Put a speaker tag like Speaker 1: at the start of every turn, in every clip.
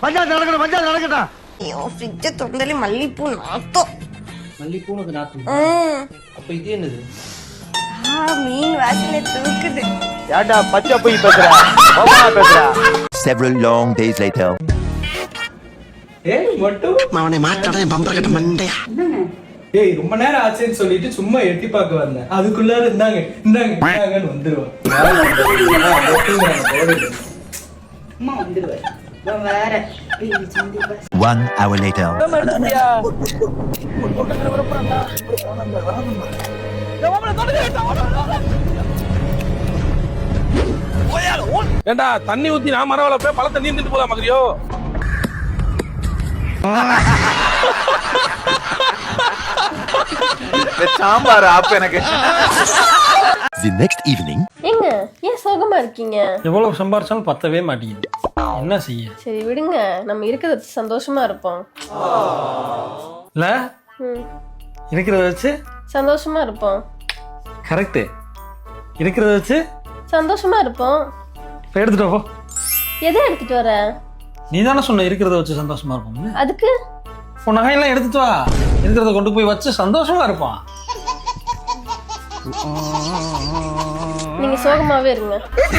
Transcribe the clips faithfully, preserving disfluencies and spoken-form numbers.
Speaker 1: பஞ்சாயத்து நடக்கணும் பஞ்சாயத்து நடக்கட்டா.
Speaker 2: ஐயோ ஃப்ரிட்ஜ திறந்தாலே மல்லிப்பூ நாத்தம்.
Speaker 3: மல்லிப்பூ உனக்கு நாத்தம்? அப்ப இது என்னது?
Speaker 2: மீன் வாசனை தூக்குது.
Speaker 1: ஏடா பச்சை போய் பேசுற பேசுற.
Speaker 4: Several long days later.
Speaker 3: ஏய் மட்டும்
Speaker 1: அவனை மாட்டாடா பம்பர கட்ட மண்டையா.
Speaker 3: ஏய் ரொம்ப நேரம் ஆச்சுன்னு சொல்லிட்டு சும்மா எட்டி பார்க்க வந்தேன். அதுக்குள்ளார இருந்தாங்க இந்தாங்க இந்தாங்கன்னு வந்துருவான்.
Speaker 5: அம்மா வந்துருவாரு. வேற
Speaker 4: One hour later.
Speaker 6: ஏண்டா தண்ணி ஊத்தி நான் மரம் வளர்ப்பேன் பழ தண்ணி திட்டு போலாம் மகரியோ.
Speaker 1: சாம்பார் ஆப் எனக்கு.
Speaker 4: The next evening.
Speaker 7: ஏங்க ஏன் சோகமா இருக்கீங்க?
Speaker 8: எவ்வளவு சம்பாரிச்சாலும் பத்தவே மாட்டேங்குது. என்ன செய்ய?
Speaker 7: சரி விடுங்க, நம்ம இருக்கிறத சந்தோஷமா இருப்போம்.
Speaker 8: இல்ல இருக்கிறத வச்சு
Speaker 7: சந்தோஷமா இருப்போம்.
Speaker 8: கரெக்ட். இருக்கிறத வச்சு
Speaker 7: சந்தோஷமா இருப்போம்.
Speaker 8: இப்ப எடுத்துட்டு போ.
Speaker 7: எதை எடுத்துட்டு வர?
Speaker 8: நீ தானே சொன்ன இருக்கிறத வச்சு சந்தோஷமா இருப்போம்.
Speaker 7: அதுக்கு
Speaker 8: உன் நகையெல்லாம் எடுத்துட்டு வா. இருக்கிறத கொண்டு போய் வச்சு சந்தோஷமா இருப்பான்.
Speaker 7: நீங்க சோகமாவே இருங்க.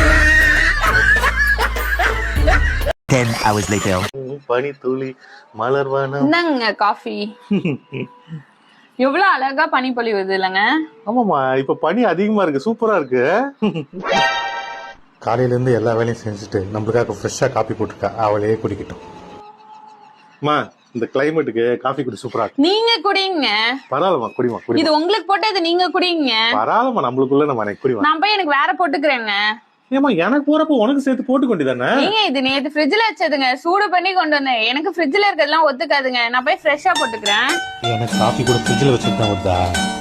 Speaker 4: Ten hours later.
Speaker 1: பனி துளி மலர்வானம்.
Speaker 5: என்னங்க காஃபி? எவ்வளவு அழகா பனி பொழிவுது இல்லங்க?
Speaker 1: ஆமாமா இப்ப பனி அதிகமா இருக்கு, சூப்பரா இருக்கு. காலையில இருந்து எல்லா வேலையும் செஞ்சுட்டு நம்மளுக்காக ஃப்ரெஷ்ஷா காபி போட்டுருக்கா, அவளையே குடிக்கட்டும். அம்மா இந்த கிளைமேட்டுக்கு காஃபி குடி சூப்பரா இருக்கு.
Speaker 5: நீங்க குடிங்க.
Speaker 1: பரவாயில்லமா குடிமா குடி.
Speaker 5: இது உங்களுக்கு போட்டு இது நீங்க குடிங்க.
Speaker 1: பரவாயில்லமா நம்மளுக்குள்ள நம்ம எனக்கு குடிமா.
Speaker 5: நான் போய் எனக்கு வேற போட்டுக்கிறேங்க.
Speaker 1: ஏமா எனக்கு போறப்ப உனக்கு சேர்த்து போட்டு கொண்டிதானே?
Speaker 5: நீங்க இது நேத்து ஃப்ரிட்ஜ்ல வச்சதுங்க, சூடு பண்ணி கொண்டு வந்தேன். எனக்கு ஃப்ரிட்ஜ்ல இருக்கிறதெல்லாம் ஒத்துக்காதுங்க. நான் போய் ஃப்ரெஷ்ஷா போட்டுக்கிறேன்.
Speaker 1: எனக்கு காஃபி கூட ஃப்ரிட்ஜ்ல வச்சிருந்தா வருதா?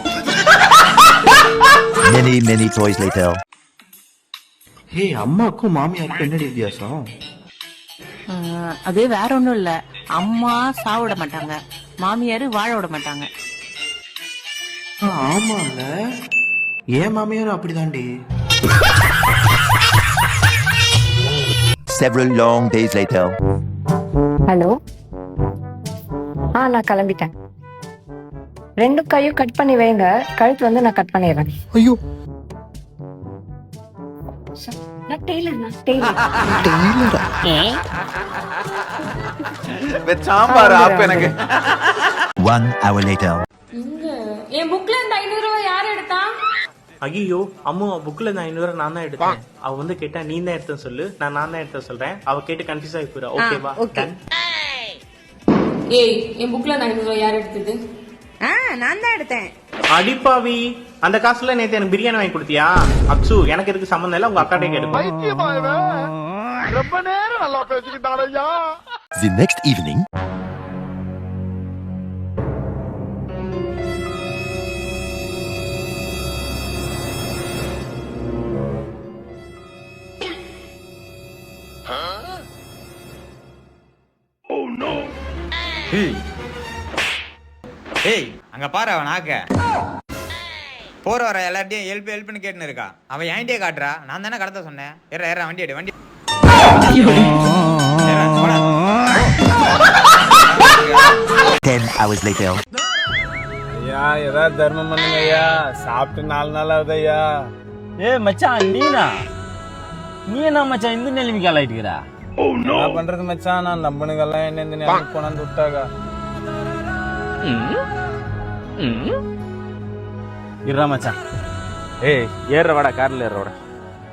Speaker 4: Many many toys later.
Speaker 1: ஹே அம்மாக்கும் மாமியாருக்கும் என்னடி வித்தியாசம்?
Speaker 9: அது வேற ஒண்ணும் இல்ல. அம்மா சாவிட மாட்டாங்க, மாமியாரு வாழ விட மாட்டாங்க.
Speaker 1: ஆமால ஏன் மாமியாரும் அப்படிதாண்டி.
Speaker 4: Several long days later.
Speaker 10: Hello. ஆ நான் கிளம்பிட்டேன். ரெண்டு கையும் கட் பண்ணி வைங்க, கழுத்து வந்து நான் கட் பண்ணிடுறேன்.
Speaker 1: ஐயோ
Speaker 10: நான் டெய்லர் நான் டெய்லர்.
Speaker 1: சாம்பார் ஆப் எனக்கு.
Speaker 4: One hour later.
Speaker 5: என் புக்ல இந்த ஐநூறு ரூபாய் யார் எடுத்தா?
Speaker 3: ஐயோ அம்மா புக்ல இருந்து ஐநூறு ரூபாய் நான் தான் எடுத்தேன். அவ வந்து கேட்டா நீ தான் எடுத்தேன்னு சொல்லு, நான் நான் தான் எடுத்த சொல்றேன். அவ கேட்டு கன்ஃபியூஸ் ஆகி போறா. ஓகேவா?
Speaker 5: ஏய் என் புக்ல இந்த ஐநூறு ரூபாய் யார் எடுத்தது?
Speaker 2: ஆ நான் தான் எடுத்தேன்.
Speaker 3: அடிப்பாவி, அந்த காசுல நேத்து எனக்கு பிரியாணி வாங்கி கொடுத்தியா? அப்சு எனக்கு இருக்கு சம்பந்தம் இல்ல, உங்க அக்காட்டே கேடு.
Speaker 1: ரொம்ப நேரம் நல்லா பேசிக்கிட்டாரையா.
Speaker 4: The next evening.
Speaker 11: ஏய் அங்க பாரு அவன் நாக்க போற வர எல்லார்ட்டையும் ஹெல்ப் ஹெல்ப்னு கேட்டுன்னு இருக்கா. அவன் என்கிட்டயே காட்டுறா. நான் தானே கடத்த சொன்னேன். ஏற ஏற வண்டி எடு வண்டி.
Speaker 4: Ten hours later.
Speaker 6: ஐயா ஏதாவது தர்மம் பண்ணுங்க ஐயா. சாப்பிட்டு நாலு நாள் ஆகுது ஐயா.
Speaker 8: ஏ மச்சான் நீனா நீ என்ன மச்சான் இந்த நிலைமைக்கு ஆளாயிட்டுக்கிறா?
Speaker 6: என்ன பண்றது மச்சான், நான் நம்பனுங்கெல்லாம் என்ன இந்த நேரம் கொண்டாந்து விட்டாங்க.
Speaker 8: இருடா மச்சான்.
Speaker 6: ஏய் ஏற வாடா, கார்ல ஏற வாடா.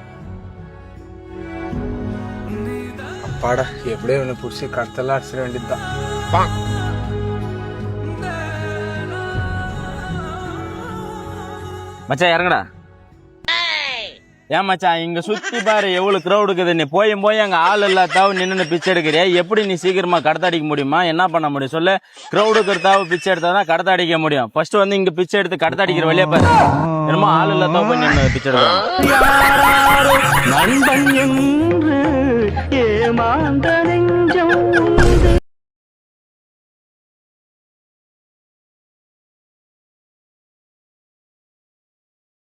Speaker 6: அப்பாடா எப்படியோ ஒண்ணு புடிச்சு கத்தெல்லாம் அடிச்சிட வேண்டியதுதான்.
Speaker 8: மச்சான் இறங்கடா. ஏன் மச்சான் இங்க சுத்தி பாரு எவ்வளவு கிரௌட் இருக்குது. நீ போயும் போய் அங்க ஆள் இல்லாதாவ நின்று பிச்சை எடுக்கிறியா? எப்படி நீ சீக்கிரமா கடத்த அடிக்க முடியுமா? என்ன பண்ண முடியும் சொல்லு? கிரௌடுக்கு இருந்தாவ பிச்சை எடுத்தாதான் கடத்த அடிக்க முடியும். ஃபர்ஸ்ட் வந்து இங்க பிச்சை எடுத்து கடத்த அடிக்கிற வழியா பாரு. என்னமோ ஆள் இல்லாதாவ போய் நின்று பிச்சை எடுக்கலாம்.